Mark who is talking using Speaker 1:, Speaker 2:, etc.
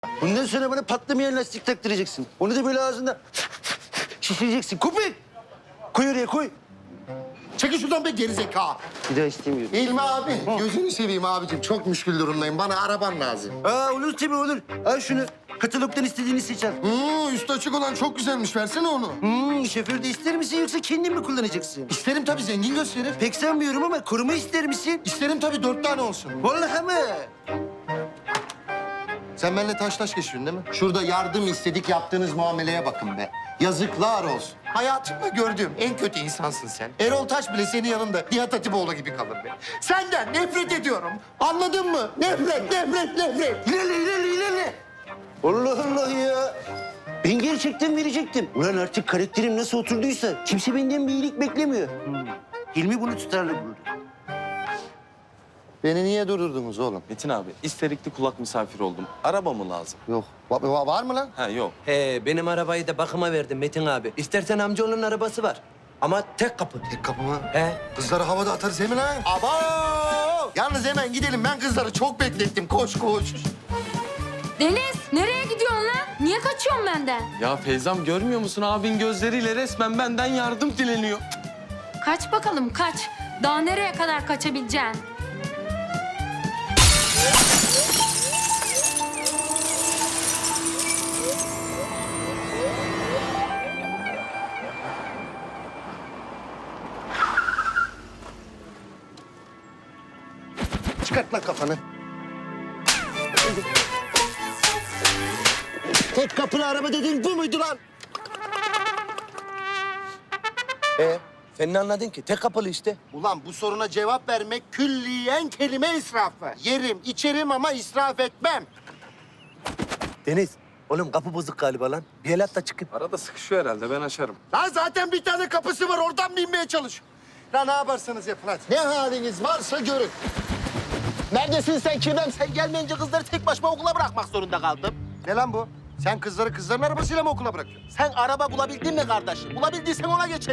Speaker 1: Bundan sonra bana patlamayan lastik taktıracaksın. Onu da böyle ağzında şişireceksin. Köpek! Koy oraya koy.
Speaker 2: Çekil şuradan be gerizekalı.
Speaker 1: Bir daha istemiyorum.
Speaker 2: İlmi abi, gözünü seveyim abicim. Çok müşkül durumdayım. Bana araban lazım.
Speaker 1: Olur tabii olur. Al şunu. Katalogdan istediğini seç al.
Speaker 2: Üstü açık olan çok güzelmiş. Versene onu.
Speaker 1: Şoför de ister misin yoksa kendin mi kullanacaksın?
Speaker 2: İsterim tabii, zengin gösterir.
Speaker 1: Pek sanmıyorum ama koruma ister misin?
Speaker 2: İsterim tabii, 4 tane olsun.
Speaker 1: Vallahi mi?
Speaker 2: Sen benimle taş geçiyorsun değil mi? Şurada yardım istedik, yaptığınız muameleye bakın be. Yazıklar olsun. Hayatımda gördüğüm en kötü insansın sen. Erol Taş bile senin yanında Nihat Hatipoğlu gibi kalır be. Senden nefret ediyorum. Anladın mı? Nefret.
Speaker 1: İlerle. Allah Allah ya. Ben gerçekten verecektim. Ulan artık karakterim nasıl oturduysa kimse benden bir iyilik beklemiyor. Hilmi bunu tutarlı buldu.
Speaker 2: Beni niye durdurdunuz oğlum?
Speaker 3: Metin abi, isterikli kulak misafiri oldum. Araba mı lazım?
Speaker 2: Yok. Var mı lan?
Speaker 3: Ha yok.
Speaker 4: Benim arabayı da bakıma verdim Metin abi. İstersen amcaoğlunun arabası var. Ama tek kapı.
Speaker 2: Tek kapı mı?
Speaker 4: He.
Speaker 2: Kızları havada atarız hemen ha. Abo! Yalnız hemen gidelim. Ben kızları çok beklettim. Koş.
Speaker 5: Deniz, nereye gidiyorsun lan? Niye kaçıyorsun benden?
Speaker 3: Ya Feyzam görmüyor musun? Abin gözleriyle resmen benden yardım dileniyor.
Speaker 5: Kaç bakalım, kaç. Daha nereye kadar kaçabileceksin?
Speaker 2: Çıkart lan kafanı.
Speaker 1: Tek kapılı araba dediğin bu muydu lan?
Speaker 4: Sen ne anladın ki? Tek kapılı işte.
Speaker 2: Ulan bu soruna cevap vermek külliyen kelime israfı. Yerim, içerim ama israf etmem.
Speaker 4: Deniz, oğlum kapı bozuk galiba lan. Bir el at da çıkayım.
Speaker 3: Arada sıkışıyor herhalde, ben açarım.
Speaker 2: Lan zaten bir tane kapısı var, oradan binmeye çalış. Lan ne yaparsanız yapın hadi. Ne haliniz varsa görün.
Speaker 6: Neredesin sen Kirvem? Sen gelmeyince kızları tek başıma okula bırakmak zorunda kaldım.
Speaker 2: Ne lan bu? Sen kızları kızların arabasıyla mı okula bırakıyorsun?
Speaker 6: Sen araba bulabildin mi kardeşim? Bulabildiysen ona geç.